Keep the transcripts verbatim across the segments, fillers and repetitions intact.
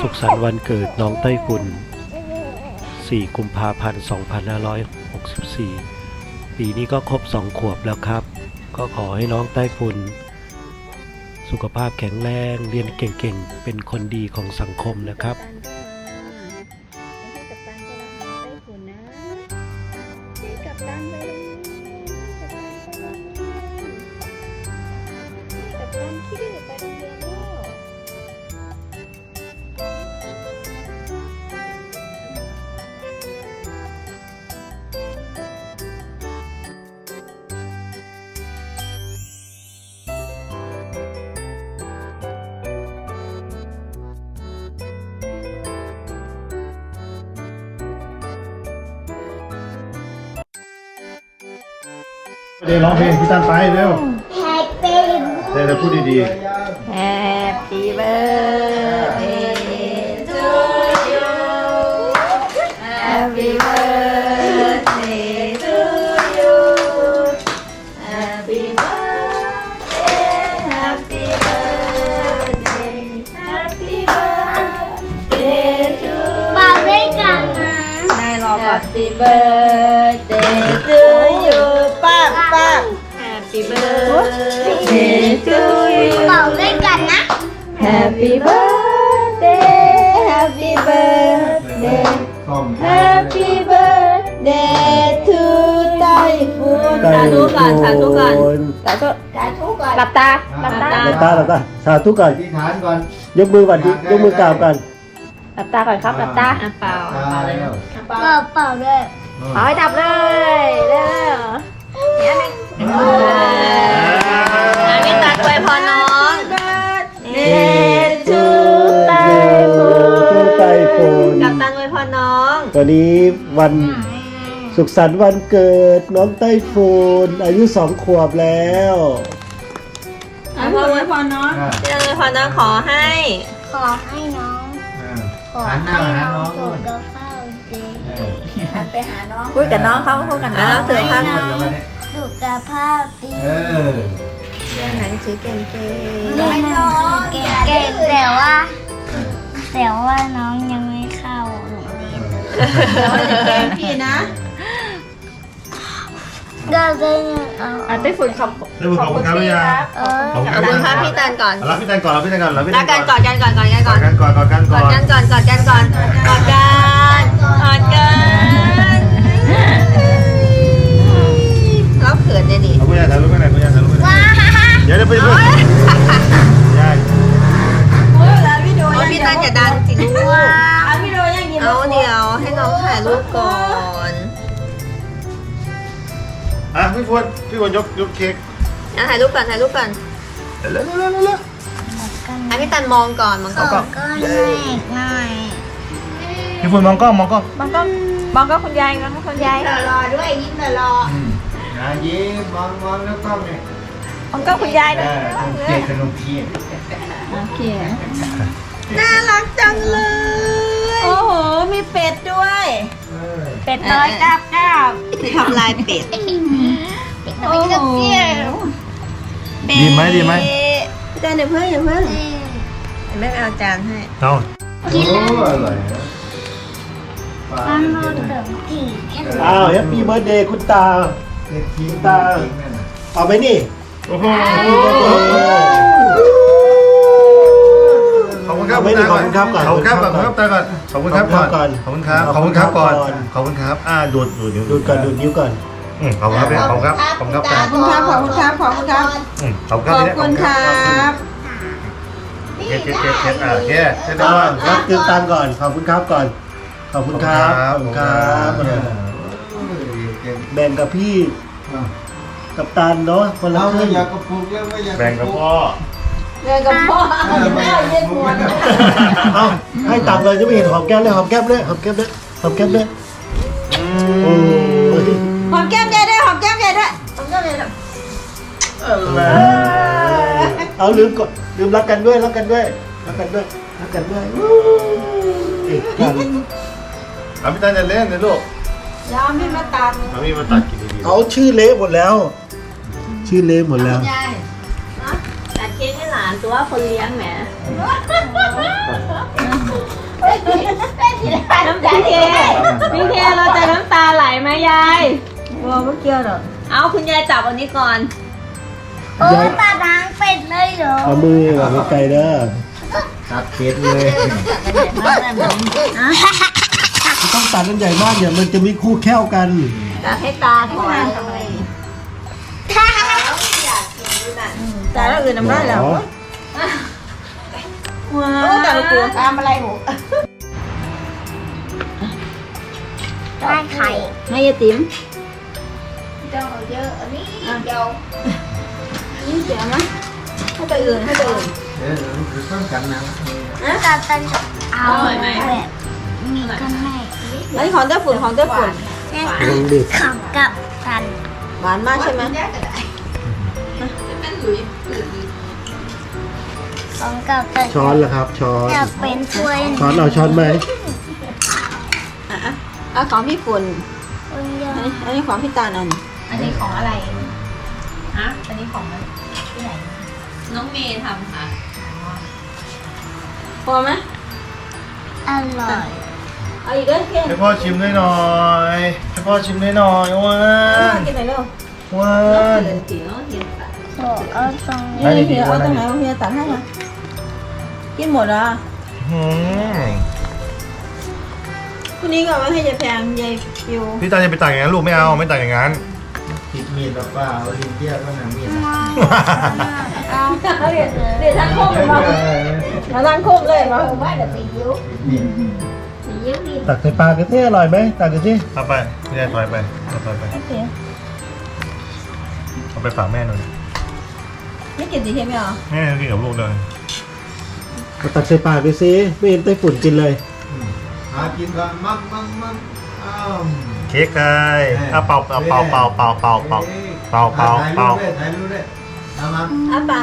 สุขสันต์วันเกิดน้องไต้ฝุ่นสี่กุมภาพันธ์สองพันห้าร้อยหกสิบสี่ปีนี้ก็ครบสองขวบแล้วครับก็ขอให้น้องไต้ฝุ่นสุขภาพแข็งแรงเรียนเก่งๆเป็นคนดีของสังคมนะครับเดี๋ยวร้องเพลงพี่ตันไปเร็ว Happy เดี๋ยวพูดดี Happy birthday to you Happy birthday to you Happy birthday Happy birthday Happy birthday to you เป่าด้วยกันนะได้รอก่อน Happy birthday to you ป้าป้า Happy birthday to you เป่าด้วยกันนะ Happy birthday Happy birthday ๆส้ม Happy birthday to ไต้ฝุ่นสาธุก่อนสาธุก่อนสาธุสาธุก่อนหลับตาหลับตาหลับตาหลับตาสาธุก่อนอธิษฐานก่อนยกมือก่อนดิยกมือกราบกันหลับตาก่อนครับหลับตาเปล่าเปล่าเลยเปล่าเปล่าด้วยเอาให้ดับเลยเร็วเนี่ยหนึ่งพี่ตักไว้พอน้องเดทูไต้ฝุ่นไต้ฝุ่นกับตันไว้พอน้องวันนี้วันสุขสันต์วันเกิดน้องไต้ฝุ่นอายุสองขวบแล้วไว้พอไว้พอน้องพี่ตันไว้พอน้องขอให้ขอให้น้องขอหันหน้าให้หาน้น้ออง งสุนู่นขภาพดีไปหาน้องพูดกับน้องเขาพูดกับน้องถือพันสุขภาพดีเออหนังสือเก่งเรียนหนังสือเก่งๆแต่ว่าแต่ว่าน้องยังไม่เข้าโรงเรียนๆเก่งพี่นะก็ได้เอาอ่ะได้ฝุ่นขอบเรื่องขอบคุณครับพี่ยาเออขอบคุณขอบคุณครับพี่ตันก่อนรับพี่ตันก่อนรับพี่ตันก่อนรับพี่ตัรันกกันก่อนกันก่อนก่อนกันกก่ออนดกันก่อนกอดกันกก่ออดนกันก่อนกอดกันก่อนกอดกันกอดกันเราเขินเลยดิเอาคุณยายถ่ายรูปกันหน่อยคุณยายถ่ายรูปกันหน่อยเดี๋ยวเดี๋ยวไปดูยายพี่ตันอย่าดังสิลูกเอาเดี๋ยวให้น้องถ่ายรูปก่อนอ่ะพี่ฟวนพี่ฟวนยกยกเค้กอ่ะถ่ายรูปก่อนถ่ายรูปก่อนเร็วเร็วเร็วเร็วอ่ะพี่ตันมองก่อนมองก่อนก็หน่อยหน่อยพี่ฟวนมองกล้องมองกล้องมองก็มองก็คุณยายมองก็คุณยายรอด้วยยิ้มรอนะยิ้มมองมองแล้วกล้องเนี่ยมองก็คุณยายเอนะอเค้กขนมเค้กโอเคน่ารักจังเลย โอ้โหมีเป็ดด้วยเออเป็ดน้อยกราบกราบทำลายเป็ดโอ้โหดีไหมดีไหมพี่ตันเดี๋ยวเพิ่งเดี๋ยวเพิ่งแม่ไปเอาจานให้เอากินแล้วโอ้อร่อยนะป้าโนเติมกี่แค่อ้าวแฮปปี้เบิร์ดเดย์คุณตาเค้กทิ้งตา เอาไปนี่โอ้โหขอบคุณครับไม่ได้ขอบคุณครับก่อนขอบคุณครับก่อนขอบคุณครับตาก่อนขอบคุณครับก่อนขอบคุณครับขอบคุณครับก่อนขอบคุณครับอ่าดูดดูดดูดก่อนดูดนิ้วก่อนอืมขอบคุณครับขอบคุณครับขอบคุณครับขอบคุณครับ ขอบคุณครับ ขอบคุณครับอืมขอบคุณครับขอบคุณครับเค้กเค้กเค้กเค้กอ่าเค้กเค้กได้อ่าก่อนรับตืมตังก่อน ขอบคุณครับก่อน ขอบคุณครับขอบคุณครับแบ่งกับพี่กับตันเนาะคนละเราคไม่รึ่งอยากกระปุกแล้วไม่อยากแบ่งกับพ่อเงินกับพ่อไม่อยากกระปุกไม่ได้เอาให้ตังเลยจะไม่เห็นหอมแก้มเลยหอมแก้มเลยหอมแก้มเลยหอมแก้มเลยโอ้ยหอมแก้มยายด้วยหอมแก้มยายด้วยหอมแก้มยายด้วยเอาลืมก่อนลืมรักกันด้วยรักกันด้วยรักกันด้วยรักกันด้วยเอกกันเอาพี่ตาจะเล่นนะลูกยอมพี่มาตัดเอาพี่มาตัดกินดีๆเขาชื่อเละหมดแล้ว ชื่อเละหมดแล้วยายตัดเค้กให้หลานตัวคนเลี้ยงแหมไม่เกี่ยวหรอกเอาคุณยายจับอันนี้ก่อนโอ้ตาดังเป็ดเลยเหรอเอามือแบบไม่ไกลเด้อตัดเก็ดเลยต้องตัดมันใหญ่มากอย่ามันจะมีคู่แค่วกันจับให้ตาก่อนตาแล้วอื่นน้ำได้แล้วว้าวตาลูกตัวตามอะไรหูได้ไข่ให้ยายติ๋มเจ้าเยอะอันนี้เดียวนี่เสียมั้ยให้ตัวอื่นให้ตัวอื่นเดี๋ยวเราคือต้องกันนะตาตันเอาแบบมีกันไหมอันนี้ของเต้าฝุ่นของเต้าฝุ่นลองดิขับกับกันหวานมากใช่ไหมของกับกันช้อนละครับ ช้อนจะเป็นถ้วยช้อนเอาช้อนไหมอ่ะอ่ะของพี่ฝุ่นคนเดียวอันนี้อันนี้ของพี่ตาลอันอันนี้ของอะไรฮะอันนี้ของที่ไหน น้องเมย์ทำค่ะพอไหมอร่อยเอาอีกเด้อเพี้ยนให้พ่อชิมด้วยหน่อยให้พ่อชิมด้วยหน่อยว้ากินไหนอยเร็วว้าเดินจีเนาะเห็นปะโอ้เอาตรงนี่เพี้ยเอาตรงไหนเอาเพี้ยตัดให้มากินหมดอ่ะหืมคุณนี้ก็เอาไว้ให้ยายแพงยายฟิวพี่ตาจะไปตักอย่างนั้นลูกไม่เอาไม่ตักอย่างนั้นติดมีดหรือเปล่าลิ้นเทียบก็หนังมีดเอาเดี๋ยวเดี๋ยวท่านโคกมาแล้วท่านโคกเลยมาว่าเดี๋ยวตียิ้วตียิ้วดีตักใส่ปลากระเทียมอร่อยไหมตักกันสิเอาไปไม่ได้ถอยไปเอาถอยไปโอเคเอาไปฝากแม่หน่อยไม่กินสีเค็มไหมอ่ะแม่กินกับลูกเลยเอาตักใส่ปากดูสิไม่เห็นไต้ฝุ่นกินเลยหากินกันมั่งมั่งมั่งอ้าวเค้กเลยเอาเป่าเป่าเป่าเป่าเป่าเป่าเป่าเป่าเป่าเป่าถ่ายรูปด้วยถ่ายรูปด้วยเอามาอ้าปาก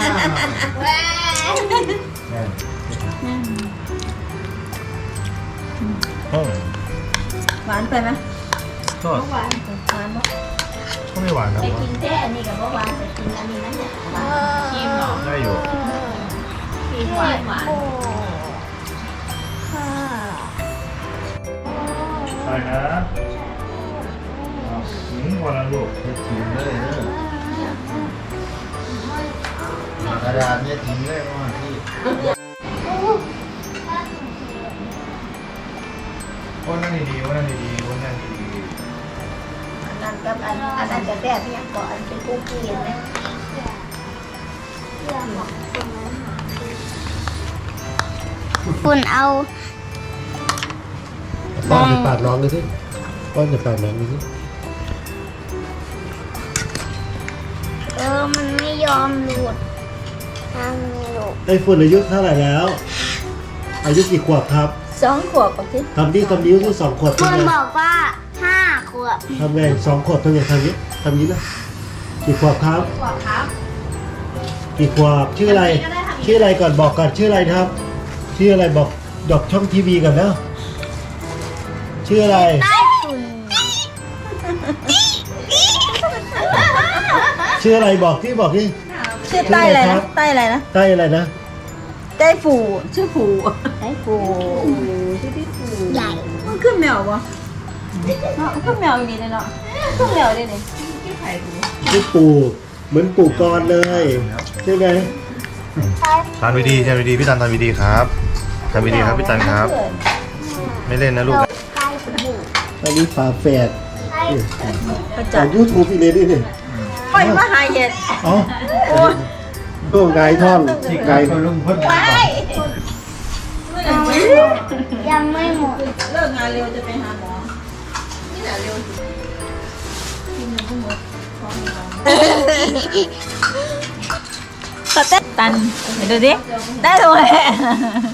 โอ้หวานไปไหมก็หวานหวานปะก็ไม่หวานนะไปกินแค่อันนี้กับเมื่อวานไปกินอันนี้นั่นแหละชิมเหรอได้อยู่ชิมหวานหวานใช่นะหืมวันละลูกเฮ็ดถิ่มเลยเด้อกระดาษเนี่ยถิ่มเลยว่าที่วันนั่งดีๆวันนั่งดีๆวันนั่งดีอันนั้นกับอันอันนั้นจะแก้ที่ยังก่อนอันเป็นคุกกี้นะคุณเอาป้อนใส่ปากน้องดูสิป้อนใส่ปากน้องดูสิเออมันไม่ยอมหลุดทางนี้หลุดไต้ฝุ่นอายุเท่าไหร่แล้ว อายุกี่ขวบครับสองขวบกับที่ทำดีทำนิ้วที่สองขวบคุทำณไงบอกว่าห้าขวบทำไงสองขวบทำไงทำนี้ทำนี้นะกี่ขวบครับขวบครับกี่ขวบชื่ออะไร ชื่ออะไรก่อนบอกก่อนชื่ออะไรครับ ชื่ออะไรบอกดอกช่องทีวีก่อนนะชื่ออะไรใต้ฝุ่นชื่ออะไรบอกที่บอกที่ชื่อใต้อะไรนะใต้อะไรนะใต้อะไรนะใต้ฝูชื่อฝูใต้ฝูใหญ่มันขึ้นแมวปะเนาะขึ้นแมวอย่างนี้เลยเนาะขึ้นแมวได้เลยชื่อปู่เหมือนปู่กรเลยใช่ไหมๆทานวิดีทานวิดีพี่ตันทานวิดีครับทานวิดีครับพี่ตันครับ ไม่เล่นนะลูกใต้ฝุ่นอันนี้ฝาแฝดใต้ประจาจักกษ์ยูทูบอีกเลยดิเนี่ยปล่อยมาหายเห็ดเอ๋อโอ้ไงท่อนที่ไงไก่คนลุงพ่นยังไม่หมดเลิกงานเร็วจะไปหาหมอ ตันดูดิได้เลย